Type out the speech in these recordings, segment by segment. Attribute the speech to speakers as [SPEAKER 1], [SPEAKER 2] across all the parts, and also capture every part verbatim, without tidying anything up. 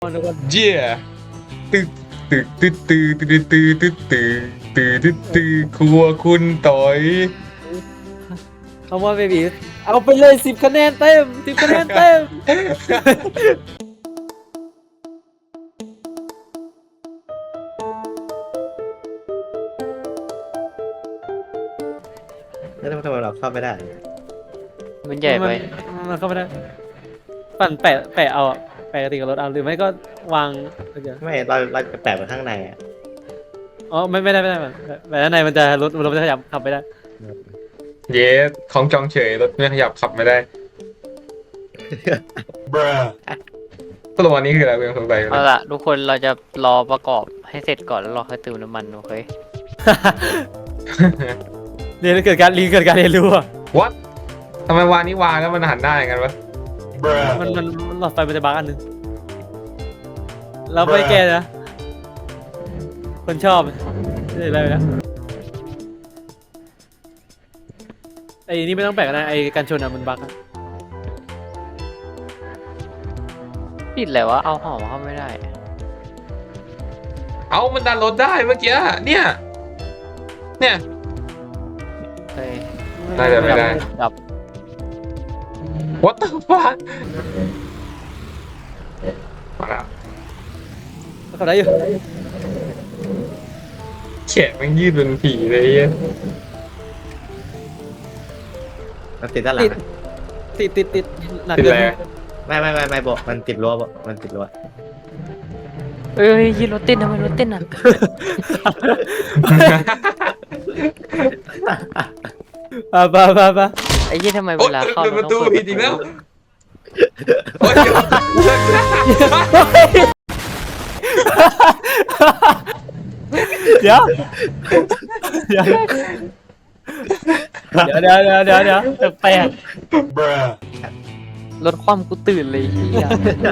[SPEAKER 1] เย่ตึกตึกตึกตึกตึกตึกตึกตึกตึกตึกตึกครัวคุณต่อย
[SPEAKER 2] เอาว่าเบบีเอาไปเลยสิบคะแนนเต็มสิบคะแนนเต็ม
[SPEAKER 3] แล้วทำไมเราเข้าไม่ได้
[SPEAKER 4] มันใหญ่ไป
[SPEAKER 2] มันเข้าไม่ได้ปั่นแปะแปะเอาอะแปะกระติกกับรถเอาหรือไม่ก็วางเดี๋ยว
[SPEAKER 3] ไม่เราเราจะแปะไว้ข้างในอ่ะ
[SPEAKER 2] อ๋อไม่ไม่ได้ไม่ได้แบบแบบด้านในมันจะรถรถมันจะขยับขับไปได้
[SPEAKER 1] เย้ของจองเฉยรถไม่ขยับขับไม่ได้สรุปวันนี้คืออะไรเพื่อนสงสัย
[SPEAKER 4] เอาล่ะทุกคนเราจะรอประกอบให้เสร็จก่อนแล้วเราค่อยเติมน้ำมันโอเค
[SPEAKER 2] เรียนเกิดการรีเกิดการเรียนรู้อะ
[SPEAKER 1] วัดทำไมวางนี้วางแล้วมันหันได้กันวะ
[SPEAKER 2] มันมันมันหลอดไฟมันจะบั๊กอันหนึงเราไปแก้นะคนชอบได้อะไรนะไอ้นี่ไม่ต้องแปะกันนะไอ้กันชนอะมันบั๊กอะ
[SPEAKER 4] ปิดอะไรวะเอาหอมเข้าไม่ได้
[SPEAKER 1] เอามันดันรถได้เมื่อกี้เนี่ย เนี่ย
[SPEAKER 4] เฮ้ย
[SPEAKER 1] น่าจะไม่ได้
[SPEAKER 4] ดับ
[SPEAKER 1] What the fuck มาแล้ว
[SPEAKER 2] เขาได้อยู่
[SPEAKER 1] แขนมันยืดเป็นผีเลยไอ้เหี้ย
[SPEAKER 3] มันติดด้านหลังอะ
[SPEAKER 2] ติดติดติดหนัก
[SPEAKER 1] ติด
[SPEAKER 2] เกิน
[SPEAKER 1] แล้ว
[SPEAKER 3] ไม่ไม่ไม่ไม่บอกมันติดรั้วบอกมันติดรั้ว
[SPEAKER 4] เอ้ยยีรถเต้นทำไมรถเต้นอ่ะ
[SPEAKER 2] ปะปะปะปะ
[SPEAKER 4] ไอ้ยี่ทำไม
[SPEAKER 1] โอ๊
[SPEAKER 4] เวย ลาเข้า
[SPEAKER 1] เปิด
[SPEAKER 4] มั
[SPEAKER 1] ป
[SPEAKER 4] น
[SPEAKER 1] ระ
[SPEAKER 4] ต้
[SPEAKER 1] ตู
[SPEAKER 4] องเปิด
[SPEAKER 1] ผิดอีกแล้วโอ๊ย
[SPEAKER 2] เดี๋ยวเดี๋ยวเดี๋ยวเดี๋ยวเดี๋ยวเดี๋ยวเดี๋ยวแปลก
[SPEAKER 4] รถคว่ำกูตื่นเลยเฮีย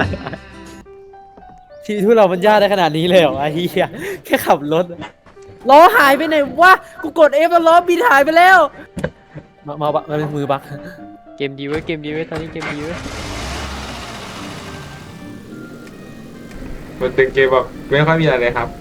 [SPEAKER 2] ชีวิตพวกเรามันยากได้ขนาดนี้เลยเหรอไอ้เหี้ยแค่ขับรถล้อหายไปไหนวะกูกด F แล้วล้อบินหายไปแล้วมามาบักมาเป็นมือบัก
[SPEAKER 4] เกมดีเว้ยเกมดีเว้ยตอนนี้เกมดีเว้ย
[SPEAKER 1] มันเป็นเกมแบบไม่ค่อยมีอะไรเลยครับ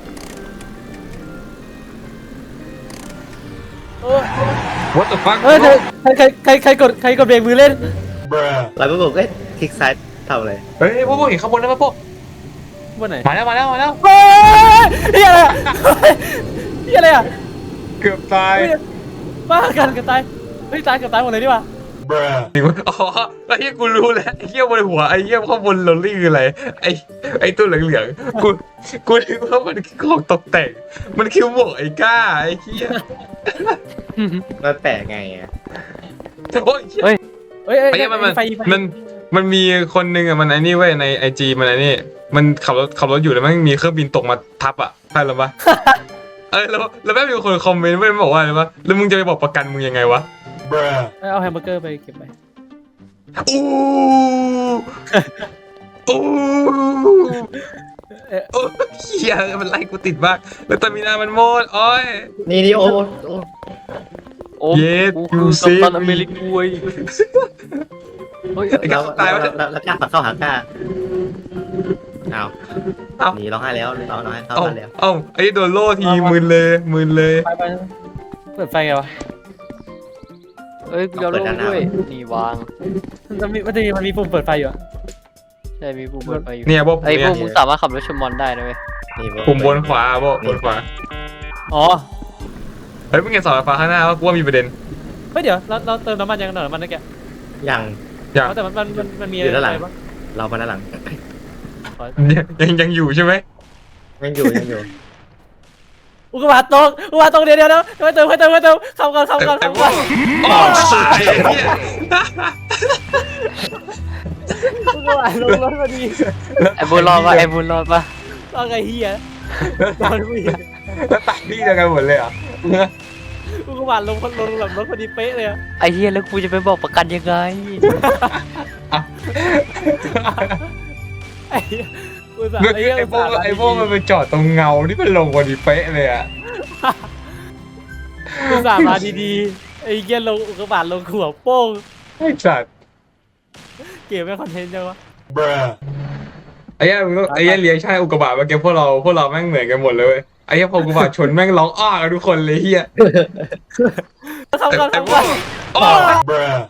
[SPEAKER 2] เออ
[SPEAKER 1] What the fuck
[SPEAKER 2] เฮ้ยใครใครใครใครกดใครกดเบรกมือเล่น
[SPEAKER 3] เราก็บอกเอ้ยคลิกซ้ายทำอะไร
[SPEAKER 1] เฮ้ยพวกพวกเห็นข้างบนแล้วป่ะพวก
[SPEAKER 2] วันไหน
[SPEAKER 1] มาแล้วมาแล้วมาแล้ว
[SPEAKER 2] เฮ้ยเฮียอะไรอะเฮียอะไรอะ
[SPEAKER 1] เกือบตาย
[SPEAKER 2] เฮ้ยบ้ากันกันตายเฮ้ยตายเกับตายหมดเลยดีกว่า
[SPEAKER 1] อ๋อไอ้เหี้ยกูรู้แล้วไอ้เหี้ยบนหัวไอ้เหี้ยข้างบนโรลลี่คืออะไรไอ้ไอ้ตัวเหลืองๆกูกูนึกว่ามันคือของตกแต่งมันคือหมวกไอ้ก้าไอ้เหี้ย
[SPEAKER 3] มันแปะไงอ่ะ
[SPEAKER 1] โอ้ย
[SPEAKER 2] เฮ้ยเฮ้ย
[SPEAKER 1] ไอ้เหี้ยมันมัน
[SPEAKER 2] ไฟไฟ
[SPEAKER 1] มันมันมีคนหนึ่งอ่ะมันไอ้นี่เว้ยในไอจีมันไอ้นี่มันขับรถขับรถอยู่แล้วมันมีเครื่องบินตกมาทับอ่ะใช่หรือปะเออแล้วแล้วแม่งมีคนคอมเมนต์เว้ยมันบอกว่าอะไรวะแล้วมึงจะไปบอกประกันมึงยังไงวะ
[SPEAKER 2] เอาแฮมเบอร์เกอร์ไปเก็บไป
[SPEAKER 1] อู้อู้โอ้เหี้ยมันไล่กูติดมากแล้วตามินามันโมดโอ้ย
[SPEAKER 3] นี่นี่โอ้โอ้
[SPEAKER 4] โอ้
[SPEAKER 1] เย็ด
[SPEAKER 4] กูคือ
[SPEAKER 1] ยู
[SPEAKER 4] กั
[SPEAKER 1] ซิ
[SPEAKER 4] ปตันอเมริกาเว้ยเฮ้ย
[SPEAKER 1] ไอ้ก้า
[SPEAKER 3] เรา
[SPEAKER 1] ตาย
[SPEAKER 3] เรา
[SPEAKER 1] วะ
[SPEAKER 3] เราเรากล้าปักเข้าหากล้าเอา
[SPEAKER 1] เอ้า
[SPEAKER 3] หนีร้องไห้แล้วร้องร้องไห้เข้า
[SPEAKER 1] เอ้า
[SPEAKER 3] บ้านแล้ว
[SPEAKER 1] เอ้าไอ้โดนโล่ทีมึนเลยมึนเลย
[SPEAKER 2] ไปไปเปิดไฟไงวะ
[SPEAKER 4] เอ้ยกูจะเอาลูกด้วยนี่วาง
[SPEAKER 2] มันมีมันจะมีมันมีปุ่มเปิดไฟอยู่อะ
[SPEAKER 4] ใช่มีปุ่มเปิดไฟอยู่
[SPEAKER 1] เนี่ยพวก
[SPEAKER 4] ไอ้พ
[SPEAKER 1] เนี่
[SPEAKER 4] วย กมึงสามารถขับรถชนมอนได้นะเว้ย
[SPEAKER 3] นี่
[SPEAKER 1] ปุ่มบนขวาพวกบนขวา
[SPEAKER 2] อ๋อ
[SPEAKER 1] เฮ้ยมึงเห็นเสาไฟฟ้าข้างหน้าว่ากูว่ามีประเด็น
[SPEAKER 2] เฮ้ยเดี๋ยวเราเราเติมน้ำมันยังเติมน้ำมันนะแก
[SPEAKER 3] ยัง
[SPEAKER 1] อย่าง
[SPEAKER 2] แต่มันมันมันมันมี
[SPEAKER 3] อยู่ด้านหลัง
[SPEAKER 2] อะไรบ้าง
[SPEAKER 3] เรามาด้านหลัง
[SPEAKER 1] ยังยังอยู่ใช่ไหม
[SPEAKER 3] ยังอยู่ยังอยู่
[SPEAKER 2] อุกกาบาตตกอุกกาบาตตกเดี๋ยวเดี๋ยวเดี๋ยวเติมเติมเติมเติมขับก่อนขับ
[SPEAKER 1] ไอ้
[SPEAKER 2] ก่อน
[SPEAKER 1] ไอ้
[SPEAKER 2] ขับ
[SPEAKER 1] พว
[SPEAKER 2] ก่อก น
[SPEAKER 1] โอ้ตายไอ้เนี่ย
[SPEAKER 2] อุกกาบาตลงรถพอดี
[SPEAKER 4] ไอ้บุญรอดปะไอ้บุญรอดปะ
[SPEAKER 2] ตอนไงเฮียตอนผู้หญิง
[SPEAKER 1] แล้วตายที่เดียวกันหมดเลยเหรอ
[SPEAKER 2] อุกกาบาตลงลงหลังรถพอดีเป๊ะเลยอะ
[SPEAKER 4] ไอ้เฮียแล้วกูจะไปบอกประกันยังไง
[SPEAKER 2] ไอ้เหี้ยอุตส่าห์
[SPEAKER 1] เมื่อ
[SPEAKER 2] ไอ้
[SPEAKER 1] กี้
[SPEAKER 2] เหี้ย
[SPEAKER 1] ไอ้พวก
[SPEAKER 2] อุตส่าห์
[SPEAKER 1] ไอ้พวกมันไปจอดตรงเงาที่มันลงพอดีเป๊ะเลยอ่ะ
[SPEAKER 2] อุตส่าห์มาดีๆไอ้เหี้ยลงอุกกาบาตลงหัวโป้ง
[SPEAKER 1] ไอ้สัตว์
[SPEAKER 2] เก็บไว้คอนเทนต์จังวะ
[SPEAKER 1] ไอ้เหี้ยมึงต้องไอ้เหี้ยเรียกใช่อุกกาบาตเมื่อกี้พวกเราพวกเราแม่งเหมือนกันหมดเลยเว้ยไอ้เหี้ยพออุกกาบาตชนแม่งร้องอ้ากันทุกคนเลยเหี้ย
[SPEAKER 2] ทำก่อน
[SPEAKER 1] ไอ้
[SPEAKER 2] ทำ
[SPEAKER 1] พว
[SPEAKER 2] ก่อก น
[SPEAKER 1] อ้า